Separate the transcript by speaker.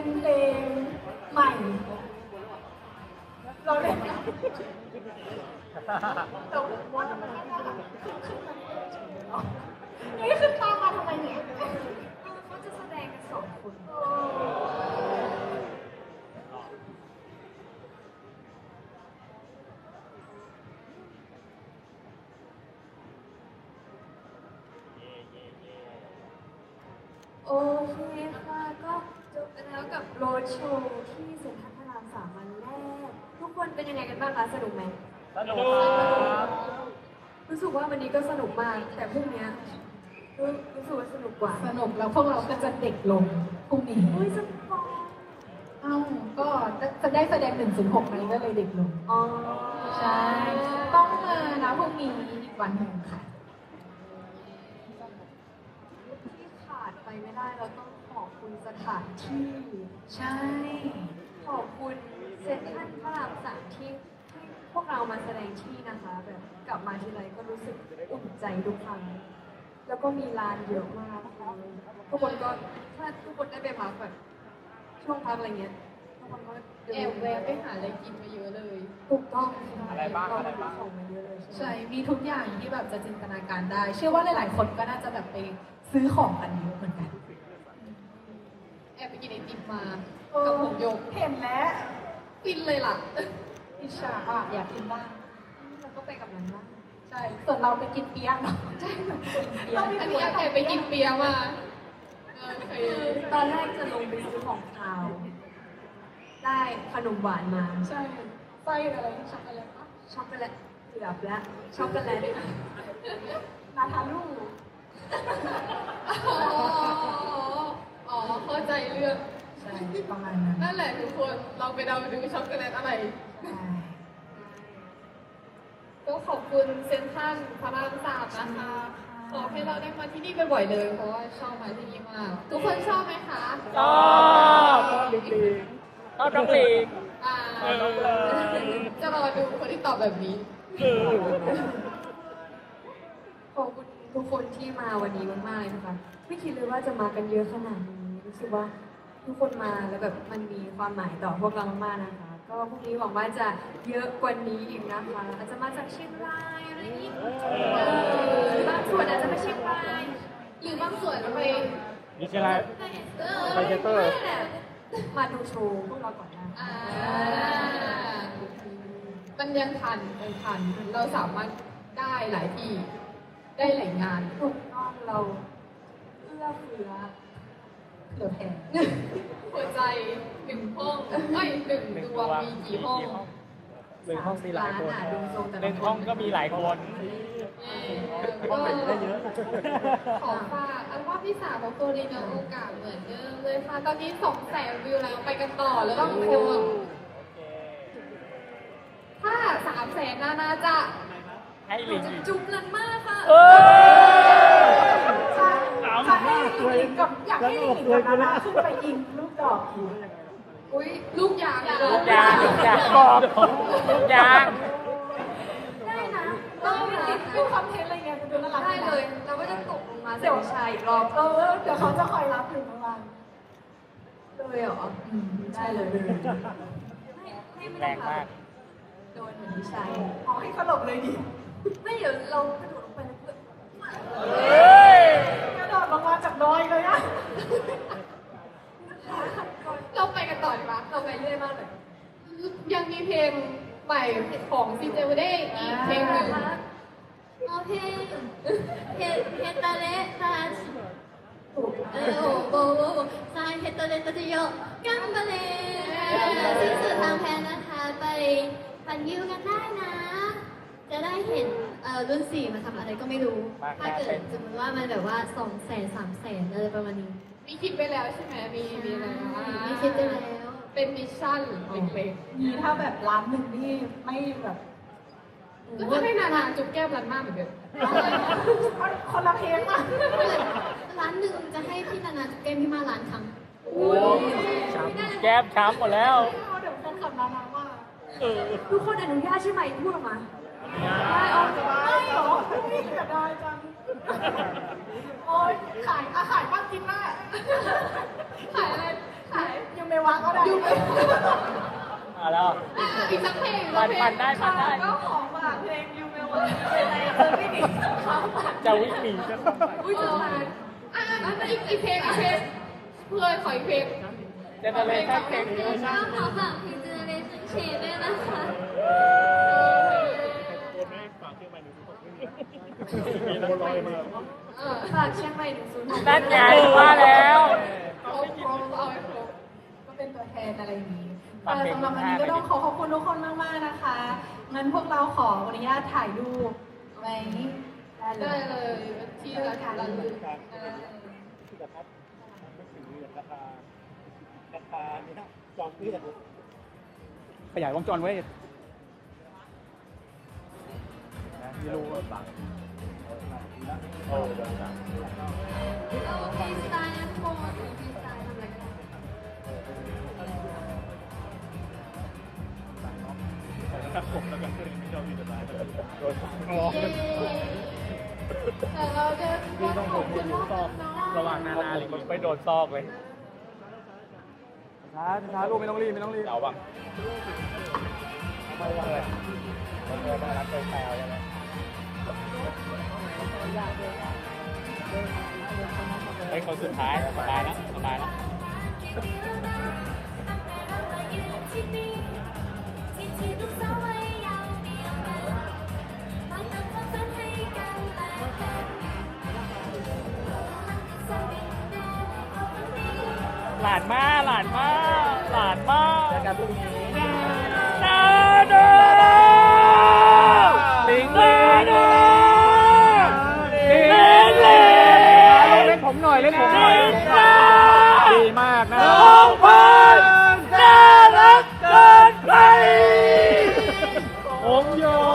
Speaker 1: เป็นเพลงใหม่เราเล่นแต่ว่าทำไมไม่ได้หลังนี่คือตามมาทำไมเนี่ย
Speaker 2: เขาจะแสดงกันสองคน โอเคค่ะก็จบไปแล้วกับโรดโชว์ที่เซ็นทรัลพระรามสามวันแรก ทุกคนเป็นยังไงกันบ้างคะสนุกไหม
Speaker 3: สนุกครับ
Speaker 2: รู้สึกว่าวันนี้ก็สนุกมาก แต่พรุ่งนี้รู้สึกว่าสนุกกว่า
Speaker 1: สนุกแล้วพวกเราก็จะเด็กลงพรุ่งนี้
Speaker 2: อุ้ยสนุก
Speaker 1: เอ้าก็จะได้แสดง106มันก็เลยเด็กลง
Speaker 2: อ๋อ
Speaker 1: ใช่ ต้องมานะพรุ่งนี้อีกวันหนึ่งค่ะ
Speaker 2: ที่ขาดไปไม่ได้เราต้องขอบคุณสถานที่
Speaker 1: ใช่
Speaker 2: ขอบคุณเซ็นทรัลพระรามสามที่พวกเรามาแสดงที่นะคะแบบกลับมาทีไรก็รู้สึกอุ่นใจทุกครั้งแล้วก็มีร้านเยอะมากทุกคนก็ถ้าทุกคนได้ไปพักแบบช่วงพักอะไรเงี้ยทุกคนก็เดิน
Speaker 1: แอบแวะไปหาอะไรกินมาเยอะเลย
Speaker 2: ถูกต้อง
Speaker 3: อะไรบ้าง
Speaker 2: เ
Speaker 3: อะไรบ้าง
Speaker 2: ของมาเยอะเลยใช่
Speaker 1: ใช่
Speaker 2: ไหม
Speaker 1: มีทุกอย่างที่แบบจะจินตนาการได้ เชื่อว่าหลายๆคนก็น่าจะแบบไปซื้อของกันเยอะเหมือนกัน
Speaker 4: แอบไปกินไอติมมากับผงโยก
Speaker 1: เห็นแล้ว
Speaker 4: ฟินเลยล่ะ
Speaker 1: อิจฉาอ่ะอยากกินบ้าง
Speaker 2: เราก็ไปกับมันบ้าง
Speaker 1: ใช่ ส่วนเราไปกินเปี๊ยะเนาะใช่เปี๊ยะ
Speaker 4: อันนี้แอบไปกินเปียมาโอเค
Speaker 2: ตอนแรกจะลงไปซื้อของคาว ได้ขนมหวานมา
Speaker 1: ใช่ไส้อะไรช็อกโกแลตปะ
Speaker 2: ช็อกโกแลตเกือบแล้วช็อกโกแลต
Speaker 1: นาทาลู
Speaker 4: อ๋อเข้าใจเรื่อง
Speaker 1: ใช่ประมาณนั้น
Speaker 4: นั่นแหละทุกคนเราไปเดาดูช็อกโกแลตอะไร
Speaker 1: ใช่
Speaker 4: ก็ขอบคุณเซนทรัลพระรามสามนะคะ ขอให้เราได้มาที่นี่บ่อยๆเลย เพราะว่าชอบมาที่นี่มาก ทุกคนชอบไหมคะ
Speaker 3: ชอบชอบจริงๆชอบน้องลิง
Speaker 4: อ่า
Speaker 3: น้องเลย
Speaker 4: จะรอดูคนที่ตอบแบบนี้
Speaker 2: ขอบคุณทุกคนที่มาวันนี้มากๆเลยนะคะไม่คิดเลยว่าจะมากันเยอะขนาดนี้รู้สึกว่าทุกคนมาแล้วแบบมันมีความหมายต่อพวกเรามากๆนะคะ ก็พรุ่งนี้หวังว่าจะเยอะกว่านี้อีกนะคะอาจจะมาจากเชียงรายอะไรอย่างนี้บางส่วนอาจจะไปเชียงราย
Speaker 4: หรือบางส่วนไป
Speaker 3: มีอะไร ไปเจเตอร์
Speaker 2: ไม่แหละมาดูโชว์พวกเราก่อนนะ
Speaker 4: อ่ามันยังทันเราสามารถได้หลายที่ ได้หลายงาน
Speaker 2: ถูกต้องเราเอื้อเฟื้อ
Speaker 1: เหลือแพง
Speaker 4: หัวใจหนึ่งห้องเอ้ยหนึ่งดวงมีกี่ห้อง
Speaker 3: หนึ่งห้องมีหลายคน
Speaker 2: ร้นดูทรงแต่ละ
Speaker 3: หนึ่งห้องก็มีหลายคน
Speaker 4: ก็
Speaker 3: ได้เยอะ
Speaker 4: ขอฝากอัลบั้มที่3ของตัวดีนโอกาสเหมือนเดิมเลยค่ะ ตอนนี้200,000 วิวแล้วไปกันต่อแล้วต้องโคถ้า300,000น่าจะ
Speaker 3: ให้ลิงอีก
Speaker 2: จุ๊บลันมากค่ะ
Speaker 3: เออ
Speaker 1: ใช่ใช่ลิงกับอยากให้ลิงกับนานาขึ้นไปยิงลูกดอกอีก
Speaker 4: อุ้ยลูกยาง
Speaker 3: ลูกยางบอกลูกยาง
Speaker 2: ได้นะ
Speaker 1: ก็เป็นคอนเทนต์อะไรเงี้ยจะดูน่ารัก
Speaker 2: ได้เลย เราก็จะตกลงมาใส่ชายอีกรอบ
Speaker 1: เดี๋ยวเขาจะคอยรับอยู่ข้างล่าง
Speaker 2: เลยเหรอ
Speaker 1: ได้เลย
Speaker 2: ไม่
Speaker 3: แรงมาก
Speaker 2: โดนเหมือนพี่ชาย
Speaker 1: เอาให้สลบเลยดิ
Speaker 2: ไม่เดี๋ยวเรากระโดดลงไปแล้วเพื่อน
Speaker 3: เฮ้ย
Speaker 1: กระโดดลงมาจากดอยเลยอะ
Speaker 4: เราไปกันต่อดีกว่า
Speaker 2: เราไปเรื่อยมากเลย
Speaker 4: ยังมีเพลงใหม่ของซีเจวเด้อีกเพลงหนึ่ง
Speaker 5: โอเคเฮตาเลทาชิโอ้โหซายเฮตาเลตาจิโยกัมบาเลสิ้นสุดทางแพนนะคะ ไปปั่นวิวกันได้นะ จะได้เห็นรุ่น4มาทำอะไรก็ไม่รู้ ถ้าเกิดสมมติว่ามันแบบว่า200,000 300,000อะไรประมาณนี้
Speaker 4: มีคิดไปแล้วใช่ไหมมีอะไรนะ
Speaker 5: ไม่คิดไปแล้ว
Speaker 4: เป็นมิชชั่นเล็ก
Speaker 1: มีถ้าแบบร้านหนึ่งนี่ไม่แบบ
Speaker 4: ๆก็จะให้นานาจุ๊บแก้มรันมากเหมือนเดิม
Speaker 1: คนละเพลงอ่ะ
Speaker 5: ร้านหนึ่งจะให้พี่นานาจุ๊บแก้มพี่มาร้านครั้ง
Speaker 3: โอ้ยช้ำแก้มช้ำหมดแล้ว
Speaker 1: เดี๋ยวแฟนคลับนานาว่า
Speaker 3: เออ
Speaker 2: ทุกคนอนุญาตใช่ไหมพูดออกมา
Speaker 1: ได้ออกจากบ้านไม่หรอไม่เสียดายจัง โอ้ยขายบ้างกินได้
Speaker 4: ขายอะไร
Speaker 1: ขายยังเมล
Speaker 3: มาแล้ว
Speaker 4: อีกสักเพลง
Speaker 3: ปั่นได้
Speaker 1: ก็ขอฝากเพลงยูเมลวันอะไรจะไม่หนีเขาฝาก
Speaker 3: จะวิ่งหนีก็ต้องไป
Speaker 4: อุ้ยจะมาอีกเพลงเพื่อนขออีกเพลง
Speaker 3: เจเนเรชั่นเพลงนี้
Speaker 5: ก็ขอฝากเพลง Generation Change ด้วยนะคะ
Speaker 2: ฝากเชียงใหม่106
Speaker 3: นั่นไงว่าแล้ว
Speaker 4: เอาให้ครบ
Speaker 1: ก็เป็นตัวแทนอะไรอย่างนี้
Speaker 3: ฝากเพลง
Speaker 1: สำหรับวันนี้ก็ต้องขอขอบคุณทุกคนมากๆนะคะงั้นพวกเราขออนุญาตถ่ายรูปไว้ได้เล
Speaker 4: ได้
Speaker 1: ย
Speaker 4: เลยที่ละกันละเลย
Speaker 3: ขยายวงจรไว้ไม่รู้ว่าบัง
Speaker 5: เอาฟรีสไตล์นะทุกคนฟรีสไตล์ทำอะไรก็ได้
Speaker 4: แต่เราจะ
Speaker 3: พี่ต้องผมที่รู้ซอกระหว่างนานาหรือไปโดนซอกเลยช้าลูกไม่ต้องรีบเอาบังไม่ว่าเลยต้องรับใจแซวใช่ไหมไอ้คนสุดท้ายสบายแล้วหลานมาเจอกันพรุ่งนี้นาโดลิงเล่นผมหน่อย